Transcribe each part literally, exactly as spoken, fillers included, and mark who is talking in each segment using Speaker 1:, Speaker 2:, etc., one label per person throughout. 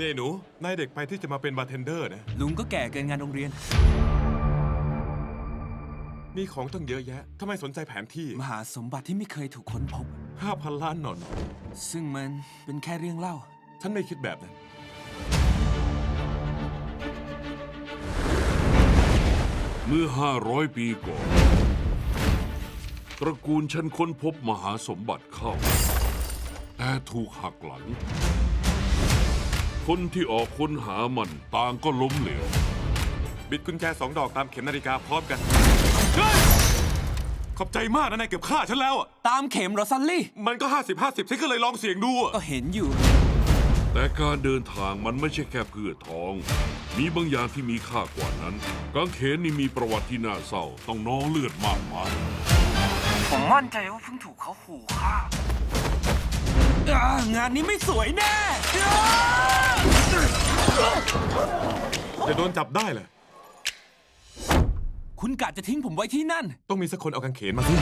Speaker 1: นี่หนูนายเด็กไปที่จะมาเป็นบาร์เทนเดอร์นะ
Speaker 2: ลุงก็แก่เกินงานโรงเรียน
Speaker 1: มีของตั้งเยอะแยะทำไมสนใจแผนที่
Speaker 2: มหาสมบัติที่ไม่เคยถูกค้นพบ
Speaker 1: ห้าพันล้านหนอน
Speaker 2: ซึ่งมันเป็นแค่เรื่องเล่า
Speaker 1: ฉันไม่คิดแบบนั้น
Speaker 3: เมื่อห้าร้อยปีก่อน ตระกูลฉันค้นพบมหาสมบัติเข้า แต่ถูกหักหลัง คนที่ออกค้นหามันต่างก็ล้มเหลว
Speaker 1: บิดกุญแจสองดอกตามเข็มนาฬิกาพร้อมกันขอบใจมากนะนายเกือบฆ่าฉันแล้วอ่ะ
Speaker 2: ตามเข็มเหรอซันลี่
Speaker 1: มันก็ห้าสิบห้าสิบฉันก็เลยลองเสี่ยงดูอ่ะ
Speaker 2: ก็เห็นอยู่
Speaker 3: แต่การเดินทางมันไม่ใช่แค่เพื่อทอง มีบางอย่างที่มีค่ากว่านั้น กางเขนนี่มีประวัติที่น่าเศร้า ต้องนองเลือดมากมาย
Speaker 2: ผมมั่นใจว่าเพิ่งถูกเขาขู่ฆ่าอ่างานนี้ไม่สวยแน่อ่า
Speaker 1: จะโดนจับได้เลย
Speaker 2: คุณกะจะทิ้งผมไว้ที่นั่น
Speaker 1: ต้องมีสักคนเอากางเขนมาสิ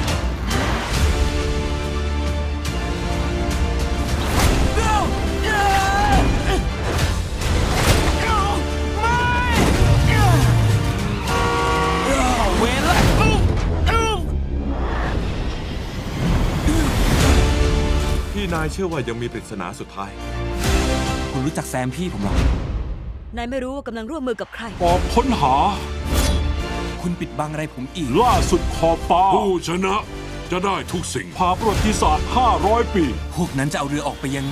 Speaker 2: เวรละ
Speaker 1: พี่นายเชื่อว่ายังมีปริศนาสุดท้าย
Speaker 2: คุณรู้จักแซมพี่ผมหรอ
Speaker 4: นายไม่รู้ว่ากำลังร่วมมือกับใคร
Speaker 5: ออกค้นหา
Speaker 2: คุณปิดบังอะไรผมอีก
Speaker 5: ล่าสุดขอบฟ้า
Speaker 3: ผู้ชนะจะได้ทุกสิ่ง
Speaker 5: พาประวัติศาสตร์ห้าร้อยปี
Speaker 2: พวกนั้นจะเอาเรือออกไปยังไง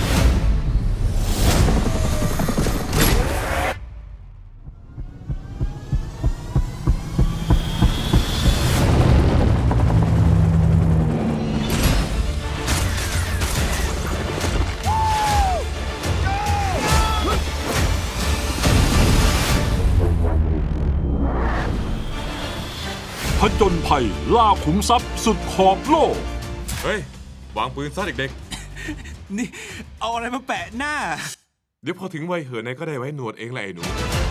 Speaker 5: ผจญภัยล่าขุมทรัพย์สุดขอบโลก
Speaker 1: เฮ้ย วางปืนซะเด็ก
Speaker 2: นี่ เอาอะไรมาแปะหน้า
Speaker 1: ๆ เดี๋ยวพอถึงวัยเหินนายก็ได้ไว้หนวดเองแหละไอ้หนู